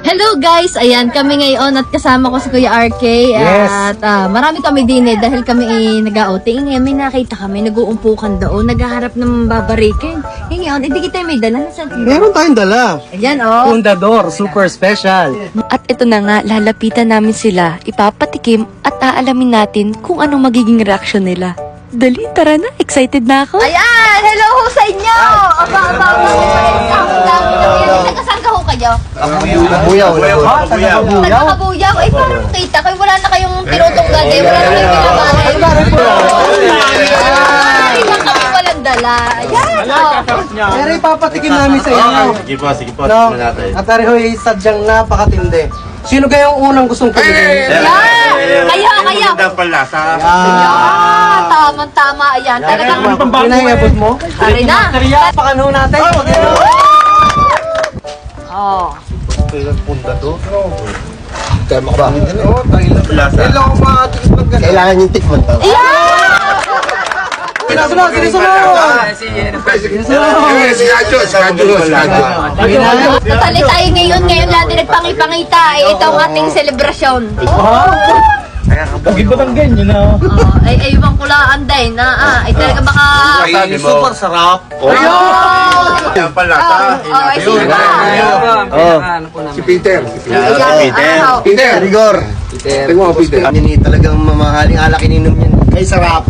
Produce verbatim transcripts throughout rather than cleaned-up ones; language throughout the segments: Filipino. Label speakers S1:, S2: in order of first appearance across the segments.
S1: Hello guys! Ayan, kami ngayon at kasama ko si Kuya R K.
S2: Yes.
S1: At ah, marami kami din eh dahil kami eh, nag-outing. Ngayon may nakita kami, nag-uumpukan doon, naghaharap ng babarikin. Ngayon, hindi kita may dala. Nasaan?
S2: Meron tayong dala.
S1: Ayan oh.
S2: Fundador, super special.
S3: At ito na nga, lalapitan namin sila, ipapatikim at aalamin natin kung anong magiging reaksyon nila. Dali, tara na. Excited na ako.
S1: Ayan! Hello ho sa inyo! Aba, aba, aba. Nagkasaan ka ho kayo?
S2: Buyaw. Buyaw.
S1: Nagkakabuyaw? Eh, parang kita kayo. Wala na kayong tinutunggan eh. Wala na kayong pinabali. Ay, lang kami walang dala. Ayan! oh.
S2: Pero ipapatikim namin sa inyo.
S4: Sige po, sige po.
S2: No?
S4: Tingnan natin.
S2: At pareho ay sadyang napakatindi. Sino kayong unang gustong pumili?
S1: Ayan! Kayo, kayo!
S4: Magandang palasa.
S1: Ah, tamang-tama. Ayan, talagang...
S2: Pinahingabot mo?
S1: Ari na!
S2: Pakano natin.
S1: Oh.
S5: Kailangan yung tikman to.
S2: Sinusunod, sinusunod!
S1: Tatali tayo ngayon. Ngayon lang din nagpangipangita. Eh, ito ang ating selebrasyon.
S2: Pagid ba ng ganyan na?
S1: Oh, ay, ay, ibang kulaan din. Na, ah, ay talaga baka...
S4: Sabi mo.
S2: Super sarap.
S4: Magandang palasa.
S1: Oh, oh, ay, sige ba?
S5: Si Peter.
S4: Yan, si Peter.
S1: Ano?
S5: Peter. Rigor. Peter. Tingnan mo, Peter. Hindi talagang mamahaling alak ininom yan. Ay, sarap.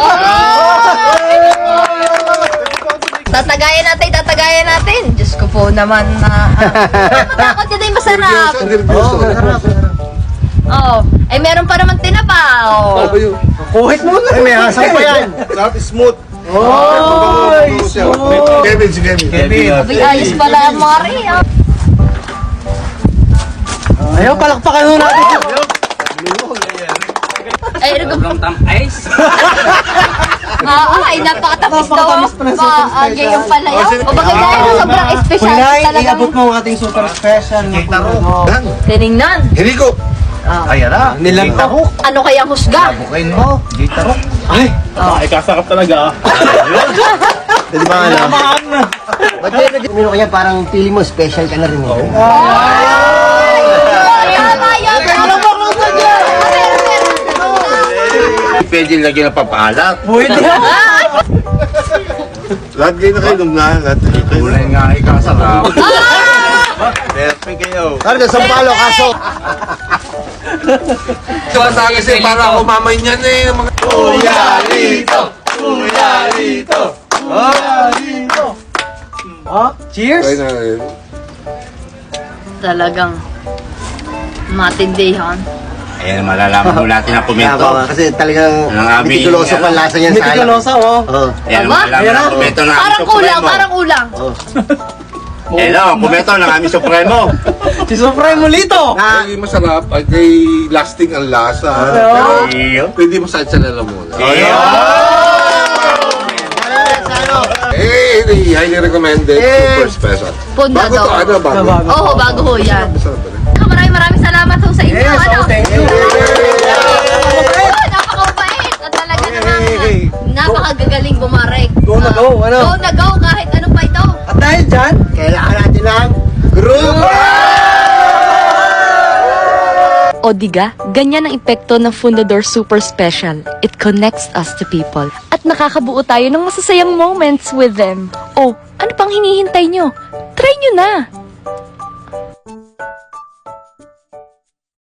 S1: Tatagayan natin, tatagayan natin. Diyos ko po naman na... Uh, matakot ka din, masarap.
S5: Oo, sarap.
S1: Oh, ay meron pa naman tinapa. Oh.
S2: Kuhit mo na.
S5: Ay, may hasang pa yan.
S4: Sarap, smooth.
S2: Oh,
S5: Kevin, si Kevin.
S4: Kevin.
S1: Ay, ayos pala ang Mari. Oh.
S2: Ayaw, palakpakan mo natin.
S1: Ay, ano ba? Ah, ay, napakatamis to.
S2: Napakatamis pa ng super
S1: Ma, ah,
S2: special.
S1: yung pala yun. O bagay dahil na sobrang special
S2: Kulay,
S1: talagang
S2: iabot mo ang ating super special na Fundador.
S1: tinignan.
S5: Enrico.
S4: Ayan na.
S2: Nilang tahok.
S1: Ano kayang husga?
S4: Bukain mo. Gitaro.
S2: Ay,
S4: Ikasarap talaga.
S5: Di ba ano? Ba't yun nag- Umino kanya parang feeling mo special ka na rin. Eh.
S1: Ay, tama yan.
S4: Pwede lagyan ng pampaalat.
S2: pwede.
S4: Lahat kayo na kayo nung na. Lahat dito. Kulay nga ikasarap. Perfect kayo.
S5: Karga, sampalo, kaso.
S4: Ito sa akin kasi para ako mamay niyan eh. Kuya Lito! Kuya Lito!
S2: Oh, cheers.
S1: Talagang matindihan.
S4: Ayan, malalaman mo natin ang komento.
S5: Ako, kasi talagang
S4: Ang aming-
S5: mitikuloso pa ang lasa niyan sa alak.
S2: Mitikulosa, oh.
S5: Oo.
S4: Ayan,
S1: Aba,
S4: malalaman
S2: ayan
S4: ang
S2: na.
S4: komento ng aming
S1: Parang kulang,
S4: supremo.
S1: parang kulang.
S4: Hello, komento ng aming supremo.
S2: Si Supremo Lito.
S6: Ay, masarap. Ay, kay lasting ang lasa.
S4: Iyo.
S6: Pwede mo sa sa lalamunan.
S4: Iyo.
S6: Eh, eh, highly recommended.
S5: Eh.
S6: Super special.
S1: Punda
S6: Bago to,
S1: daw.
S6: ano, bago.
S2: Bago.
S1: Oo, bago ho yan.
S6: Masarap ba rin?
S1: Maraming maraming salamat ho sa inyo.
S2: Yes,
S1: ano?
S2: oh, thank you.
S1: Oh, napakabait. At talaga naman, napakagagaling bumarek.
S2: Go na go, ano?
S1: Go na go, kahit ano pa ito.
S2: At dahil dyan,
S5: Kailangan natin ng group.
S3: O diga, ganyan ang epekto ng Fundador Super Special. It connects us to people. At nakakabuo tayo ng masasayang moments with them. O, ano pang hinihintay nyo? Try nyo na!